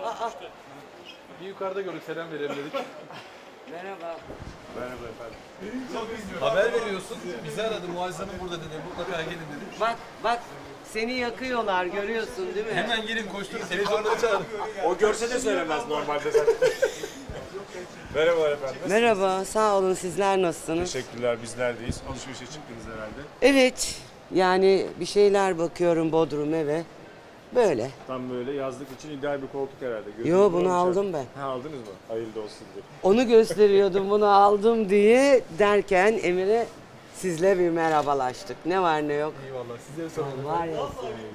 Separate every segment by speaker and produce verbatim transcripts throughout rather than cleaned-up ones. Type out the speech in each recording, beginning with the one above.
Speaker 1: Aa,
Speaker 2: Bir yukarıda gördük, selam verelim dedik.
Speaker 1: merhaba.
Speaker 2: Merhaba efendim. Haber veriyorsun, bizi aradı, Muazzez Hanım burada dedi, mutlaka gelin dedi.
Speaker 1: Bak bak seni yakıyorlar görüyorsun değil mi?
Speaker 2: Hemen gelin koşturun, televizyonları çağırın.
Speaker 3: O görse de söylemez normalde zaten. Merhaba efendim.
Speaker 1: Merhaba, sağ olun, sizler nasılsınız?
Speaker 3: Teşekkürler, biz neredeyiz? Alışverişe çıktınız herhalde.
Speaker 1: Evet, yani bir şeyler bakıyorum Bodrum eve. Böyle.
Speaker 3: Tam böyle yazlık için ideal bir koltuk herhalde. Gözünüz
Speaker 1: Yo, bunu
Speaker 3: olmuş
Speaker 1: aldım
Speaker 3: yani.
Speaker 1: ben.
Speaker 3: Ha, aldınız mı? Hayırlı olsun diye.
Speaker 1: Onu gösteriyordum, bunu aldım diye derken Emir'e sizle bir merhabalaştık. Ne var ne yok.
Speaker 2: Eyvallah, sizlere soralım.
Speaker 1: Var ya.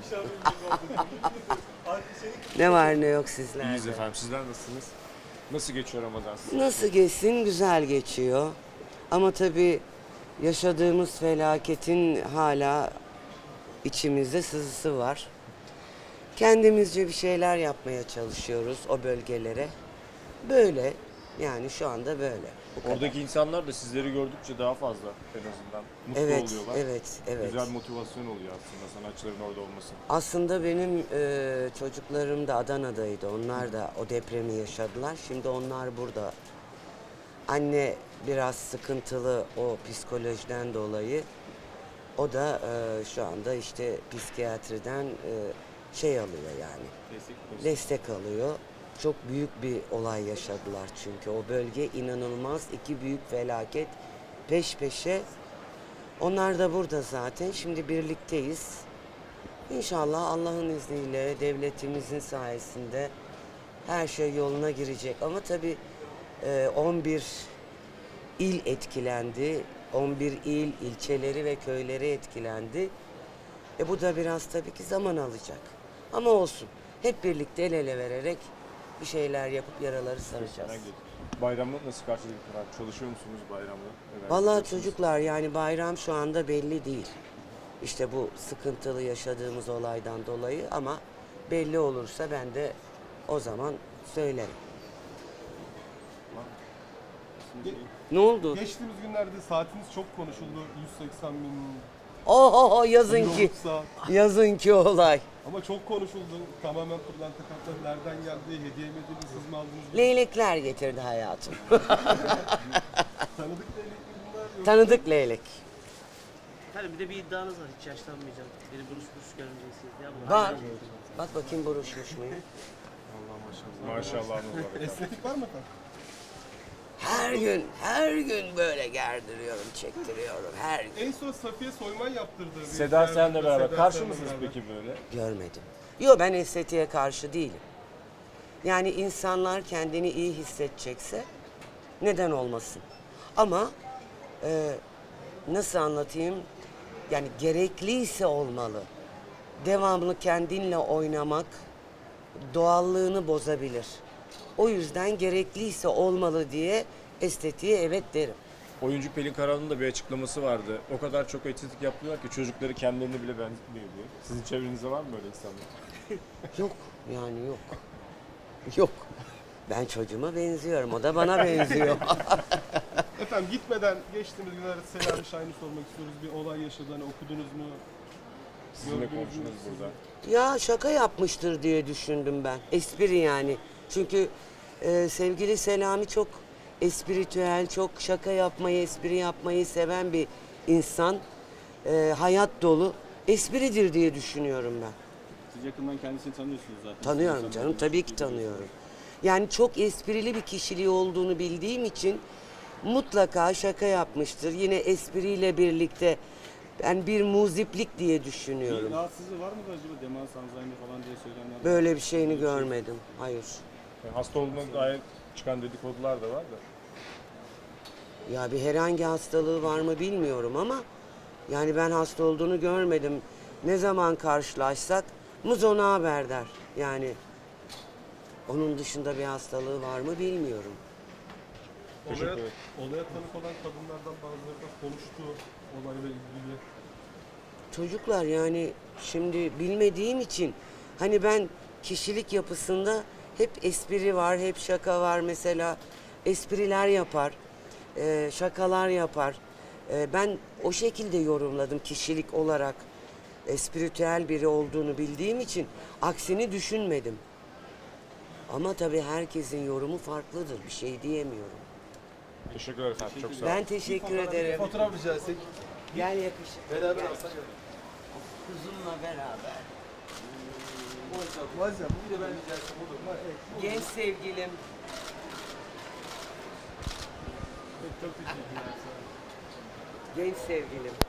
Speaker 1: Ne var ne yok sizlerde.
Speaker 3: İyiyiz efendim, sizler nasılsınız? Nasıl geçiyor Ramazan sizin?
Speaker 1: Nasıl geçsin? Güzel geçiyor. Ama tabii yaşadığımız felaketin hala içimizde sızısı var. Kendimizce bir şeyler yapmaya çalışıyoruz o bölgelere. Böyle. Yani şu anda böyle. Bu kadar.
Speaker 3: Oradaki insanlar da sizleri gördükçe daha fazla en azından mutlu
Speaker 1: Evet,
Speaker 3: oluyorlar.
Speaker 1: evet, evet.
Speaker 3: Güzel motivasyon oluyor aslında sanatçıların orada olması.
Speaker 1: Aslında benim e, çocuklarım da Adana'daydı. Onlar da o depremi yaşadılar. Şimdi onlar burada. Anne biraz sıkıntılı o psikolojiden dolayı. O da e, şu anda işte psikiyatriden e, şey alıyor yani.
Speaker 3: Destek,
Speaker 1: Destek alıyor. Çok büyük bir olay yaşadılar çünkü. O bölge inanılmaz, iki büyük felaket peş peşe. Onlar da burada zaten. Şimdi birlikteyiz. İnşallah Allah'ın izniyle devletimizin sayesinde her şey yoluna girecek. Ama tabii e, on bir il etkilendi. on bir il, ilçeleri ve köyleri etkilendi. E bu da biraz tabii ki zaman alacak. Ama olsun. Hep birlikte el ele vererek bir şeyler yapıp yaraları saracağız.
Speaker 3: Bayramda nasıl karşıladık? Çalışıyor musunuz bayramda? Evet,
Speaker 1: Vallahi
Speaker 3: yapıyorsunuz.
Speaker 1: çocuklar yani bayram şu anda belli değil. İşte bu sıkıntılı yaşadığımız olaydan dolayı ama belli olursa ben de o zaman söylerim. Ne oldu?
Speaker 4: Geçtiğimiz günlerde saatiniz çok konuşuldu. yüz seksen bin
Speaker 1: Oho yazın ki.
Speaker 4: kiloluk saat.
Speaker 1: Yazın ki olay.
Speaker 4: Ama çok konuşuldu. Tamamen pırlanta kartları nereden geldi? Hediye mi edildi? Siz mi aldınız?
Speaker 1: Leylekler getirdi hayatım.
Speaker 4: Tanıdık leylek mi bunlar? Yoksa
Speaker 1: Tanıdık leylek.
Speaker 5: Efendim bir de bir iddianız var, hiç yaşlanmayacağım. Beni buruş buruş görmeyeceksiniz diye ama.
Speaker 1: Bak. Bak bakayım buruşmuş muyum?
Speaker 3: Maşallahınız var efendim.
Speaker 4: estetik var mı efendim?
Speaker 1: Her gün, her gün böyle gerdiriyorum, çektiriyorum her gün.
Speaker 4: En son Safiye Soyman yaptırdı. bir
Speaker 3: Seda Sayan'la
Speaker 4: Seda
Speaker 3: beraber. Karşı
Speaker 4: Sayan'la
Speaker 3: mısınız
Speaker 4: beraber.
Speaker 3: peki böyle?
Speaker 1: Görmedim. Yok ben estetiğe karşı değilim. Yani insanlar kendini iyi hissedecekse neden olmasın? Ama e, nasıl anlatayım? Yani gerekliyse olmalı. Devamlı kendinle oynamak doğallığını bozabilir. O yüzden gerekliyse olmalı diye estetiğe evet derim.
Speaker 3: Oyuncu Pelin Karahan'ın da bir açıklaması vardı. O kadar çok estetik yapıyorlar ki çocukları kendilerini bile benzetmiyor diye. Sizin çevrenizde var mı böyle insanlar?
Speaker 1: Yok yani yok. Yok. Ben çocuğuma benziyorum. O da bana benziyor.
Speaker 4: Efendim gitmeden geçtiğimiz günlerde Selami Şahin'i sormak istiyoruz. Bir olay yaşadı. Hani okudunuz mu?
Speaker 3: Sizinle
Speaker 4: Gördünüz mü?
Speaker 3: konuştunuz burada.
Speaker 1: Ya şaka yapmıştır diye düşündüm ben. Espri yani. Çünkü e, sevgili Selami çok espritüel, çok şaka yapmayı, espri yapmayı seven bir insan. E, hayat dolu. Espridir diye düşünüyorum ben.
Speaker 6: Siz yakından kendisini tanıyorsunuz zaten.
Speaker 1: Tanıyorum
Speaker 6: Siz
Speaker 1: canım,
Speaker 6: insanlarla
Speaker 1: tabii ki
Speaker 6: görüştüğünüz
Speaker 1: tanıyorum. Yani çok esprili bir kişiliği olduğunu bildiğim için mutlaka şaka yapmıştır. Yine espriyle birlikte ben bir muziplik diye
Speaker 6: Bir
Speaker 1: düşünüyorum.
Speaker 6: rahatsızlığı var mı acaba? Demans, Alzheimer falan diye söylenenler.
Speaker 1: Böyle bir şeyini görmedim. Hayır.
Speaker 3: Yani hasta olduğuna dair çıkan dedikodular da var da.
Speaker 1: Ya bir herhangi hastalığı var mı bilmiyorum ama yani ben hasta olduğunu görmedim. Ne zaman karşılaşsak Muzo ne haber der. Yani onun dışında bir hastalığı var mı bilmiyorum.
Speaker 3: Teşekkür
Speaker 4: Olaya,
Speaker 3: ederim.
Speaker 4: olaya tanık olan kadınlardan bazıları da konuştu olayla ilgili.
Speaker 1: Çocuklar yani şimdi bilmediğim için hani ben kişilik yapısında hep espri var, hep şaka var mesela. Espriler yapar, e, şakalar yapar. E, ben o şekilde yorumladım kişilik olarak. Espritüel biri olduğunu bildiğim için aksini düşünmedim. Ama tabii herkesin yorumu farklıdır. Bir şey diyemiyorum.
Speaker 3: Teşekkürler efendim. Çok sağ olun.
Speaker 1: Ben teşekkür ederim.
Speaker 2: Fotoğraf rica etsek.
Speaker 1: Gel yakışık.
Speaker 2: Beraber
Speaker 1: Gel.
Speaker 2: alsak.
Speaker 1: Kuzumla beraber.
Speaker 2: Muazzam bir de ben rica etsem olur mu?
Speaker 1: Genç sevgilim.
Speaker 4: Çok teşekkürler.
Speaker 1: Genç sevgilim.